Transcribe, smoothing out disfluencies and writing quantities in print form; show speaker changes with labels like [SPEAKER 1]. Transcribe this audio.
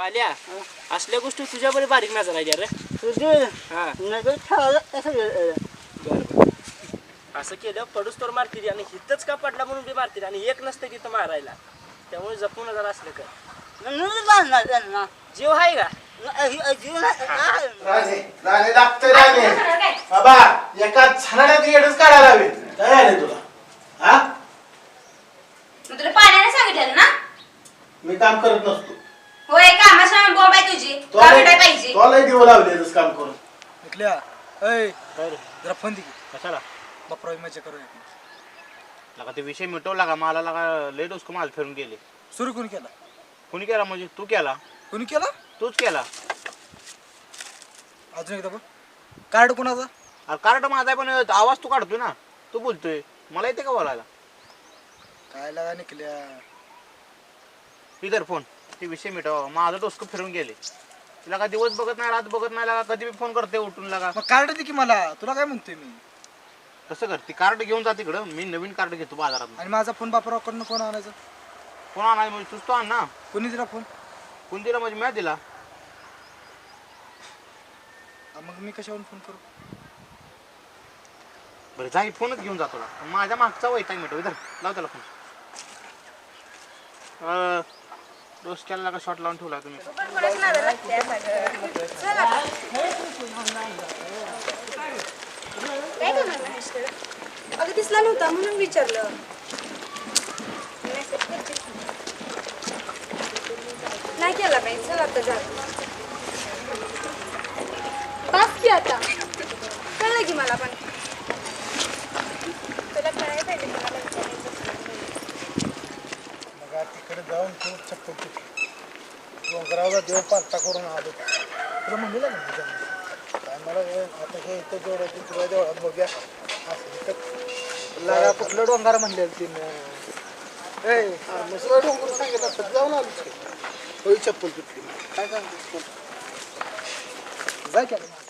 [SPEAKER 1] पाल्या असल्या गोष्टी तुझ्या बरे बारीक नजर आहे रे
[SPEAKER 2] तुझे
[SPEAKER 1] हा
[SPEAKER 2] नजर ठेवायला कसं
[SPEAKER 1] बरं असं केलं पडूस तर मारतील आणि हिथंच का पडला म्हणून बी मारतील आणि एक नसतं तिथं मारायला त्यामुळे जपून जरा असलं कर
[SPEAKER 2] म्हणून बांधणार त्यांना
[SPEAKER 1] जीव आहे का
[SPEAKER 2] जीवन
[SPEAKER 3] राणे राणे लागतंय राणे बाबा एका छानाड्यात येडच काढायला हवे काय आले तुला हा
[SPEAKER 4] मग तुला पाण्याने सांगितलेलं ना
[SPEAKER 3] मी काम करत नसतो
[SPEAKER 4] होय कामाच्या बॉम्ब आहे तुझी का भेटाय पाहिजे
[SPEAKER 3] तुला दिवं लावलेलंच काम करून
[SPEAKER 5] निकल्या ऐ
[SPEAKER 1] काय रे
[SPEAKER 5] जरा फोन दे
[SPEAKER 1] कशाला
[SPEAKER 5] बापरावी मजा करूया
[SPEAKER 1] लगा ते विषय मिटवला का मला लगा लय डोसकं माल फिरून गेले
[SPEAKER 5] सुरू कोणी केला
[SPEAKER 1] कुणी केला म्हणजे तू केला
[SPEAKER 5] कोणी केला
[SPEAKER 1] तूच केला
[SPEAKER 5] अजून एकदा बघ कार्ड कोणाचा
[SPEAKER 1] अरे कार्ड माझा आहे पण आवाज तू काढतोय ना तू बोलतोय मला येते का बोलायला
[SPEAKER 5] काय लागा निकल्या
[SPEAKER 1] इधर फोन ते विषय मिटवा माझं डोसकं फिरून गेले तुला का दिवस बघत नाही रात बघत नाही लागा कधी बी फोन करते उठून लागा
[SPEAKER 5] मग कार्ड दे की मला तुला काय म्हणतोय मी
[SPEAKER 1] कसं कर ती कार्ड घेऊन जा तिकडं मी नवीन कार्ड घेतो बाजारात
[SPEAKER 5] आणि माझा फोन बापराकडनं कोण आणायचा
[SPEAKER 1] कोण आणाय म्हणजे तूच तो आण ना
[SPEAKER 5] कोणी दिला फोन
[SPEAKER 1] कोण दिला म्हणजे मी दिला
[SPEAKER 5] मग मी कशावरून फोन करू
[SPEAKER 1] बरं जा फोनच घेऊन जा तुला माझ्या मागचा वैताग मिटव इधर लाव त्याला फोन डोसक्याला का शॉट लावून ठेवला तुम्ही
[SPEAKER 4] अगं दिसला नव्हता म्हणून विचारलं नाही केला पाहिजे चल आता जा बस की आता कळलं की मला पण तुला कळायला पाहिजे मला
[SPEAKER 5] मग तिकडे जाऊन खूप चप्पल डोंगरावला देव पालता करून आलो तुला म्हणलेलं ना काय मला आता हे इथं जेवढं तुला जेवढा बघ्या असं लागा कुठलं डोंगर म्हणलेलं तिनं ए मसला डोंगर सांगितलं असतं जाऊन आलो होई चप्पल तुटली काय सांगतो जा की